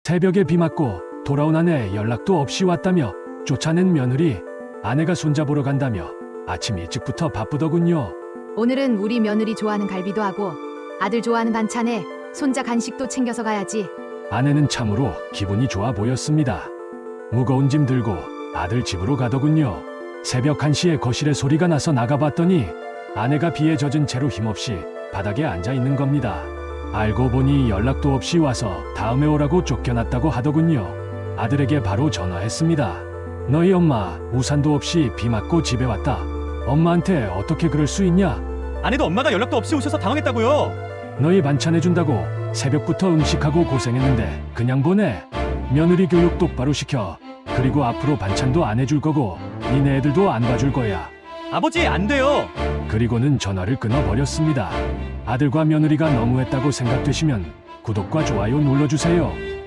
새벽에 비 맞고 돌아온 아내 연락도 없이 왔다며 쫓아낸 며느리. 아내가 손자 보러 간다며 아침 일찍부터 바쁘더군요. 오늘은 우리 며느리 좋아하는 갈비도 하고 아들 좋아하는 반찬에 손자 간식도 챙겨서 가야지. 아내는 참으로 기분이 좋아 보였습니다. 무거운 짐 들고 아들 집으로 가더군요. 새벽 1시에 거실에 소리가 나서 나가봤더니 아내가 비에 젖은 채로 힘없이 바닥에 앉아 있는 겁니다. 알고 보니 연락도 없이 와서 다음에 오라고 쫓겨났다고 하더군요. 아들에게 바로 전화했습니다. 너희 엄마 우산도 없이 비 맞고 집에 왔다. 엄마한테 어떻게 그럴 수 있냐? 아내도 엄마가 연락도 없이 오셔서 당황했다고요. 너희 반찬 해준다고 새벽부터 음식하고 고생했는데 그냥 보내. 며느리 교육 똑바로 시켜. 그리고 앞으로 반찬도 안 해줄 거고 니네 애들도 안 봐줄 거야. 아버지, 안 돼요. 그리고는 전화를 끊어버렸습니다. 아들과 며느리가 너무했다고 생각되시면 구독과 좋아요 눌러주세요.